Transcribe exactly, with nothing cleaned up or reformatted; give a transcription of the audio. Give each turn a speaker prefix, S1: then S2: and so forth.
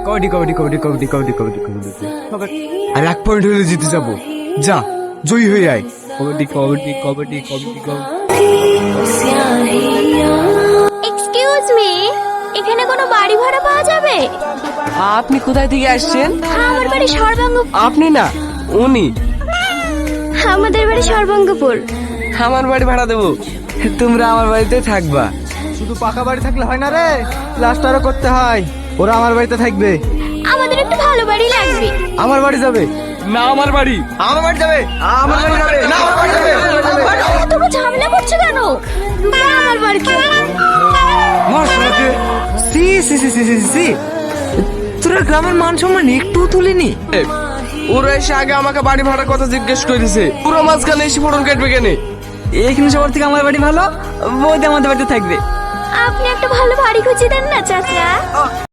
S1: কবাডি কবাডি কবাডি কবাডি কবাডি কবাডি কবাডি আর এক পয়েন্ট হলে জিতে যাবো। যা জয়ী হয়ে আয়। কবাডি কবাডি কবাডি কবাডি কবাডি।
S2: এক্সকিউজ মি, এখানে কোনো বাড়ি ভাড়া পাওয়া যাবে?
S3: আপনি কোথায় থেকে আসছেন?
S2: আমার বাড়ি সর্বাঙ্গ।
S3: আপনি না, উনি।
S2: আমাদের বাড়ি সর্বাঙ্গপুর।
S3: আমার বাড়ি ভাড়া দেবো।
S1: তোমরা আমার বাড়িতে থাকবা। শুধু পাকা বাড়ি থাকলে হয় না রে, প্লাস্টারও করতে হয়। ওরা আমার বাড়িতে থাকবে।
S2: আমাদের একটু ভালো বাড়ি লাগবে।
S1: আমার বাড়ি যাবে
S3: না, আমার বাড়ি।
S1: আমার বাড়ি যাবে আমার বাড়ি যাবে না আমার বাড়ি যাবে।
S2: তোমরা ঝামেলা করছো কেন? না, আমার বাড়ি কি?
S1: মশলাকে সি সি সি সি সি সি তোরা গ্রামের মান সম্মান একটু তুলিনি।
S3: ওরা এসে আগে আমাকে বাড়ি ভাড়ার কথা জিজ্ঞেস করেছে। পুরো মাঝখানে এসে ফোটন কাটবে কেন?
S1: এইখানে সবার থেকে আমার বাড়ি ভালো, বৌদি আমাদের বাড়িতে থাকবে।
S2: আপনি একটা ভালো বাড়ি খুঁজে দেন না চাচা।